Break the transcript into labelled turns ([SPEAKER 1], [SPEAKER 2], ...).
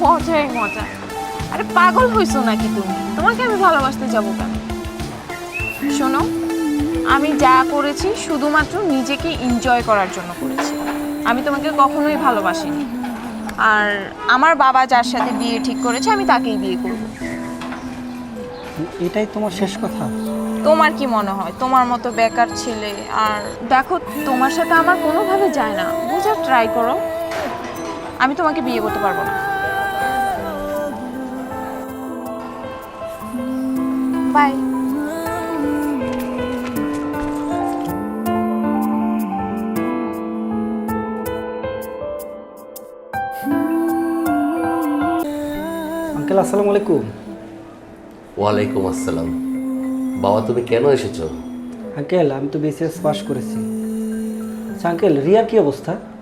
[SPEAKER 1] মজাই মজা। আরে পাগল হইছো নাকি তুমি? তোমাকে আমি ভালোবাসতে যাবো কেন? শোনো, আমি যা করেছি শুধুমাত্র নিজেকে এনজয় করার জন্য করেছি। আমি তোমাকে কখনোই ভালোবাসিনি। আর আমার বাবা যার সাথে বিয়ে ঠিক করেছে আমি তাকেই বিয়ে করব।
[SPEAKER 2] এটাই তোমার শেষ কথা?
[SPEAKER 1] তোমার কি মনে হয় তোমার মতো বেকার ছেলে? আর দেখো, তোমার সাথে আমার কোনোভাবে যায় না, বুঝার ট্রাই করো। আমি তোমাকে বিয়ে করতে পারবো না। বাই।
[SPEAKER 2] আঙ্কেল আসসালামু আলাইকুম।
[SPEAKER 3] ওয়ালাইকুম আসসালাম। বাবা, তুমি কেন এসেছো?
[SPEAKER 2] আঙ্কেল আমি তো বিসিএস পাস করেছি। আচ্ছা আঙ্কেল, রিয়ার কি অবস্থা?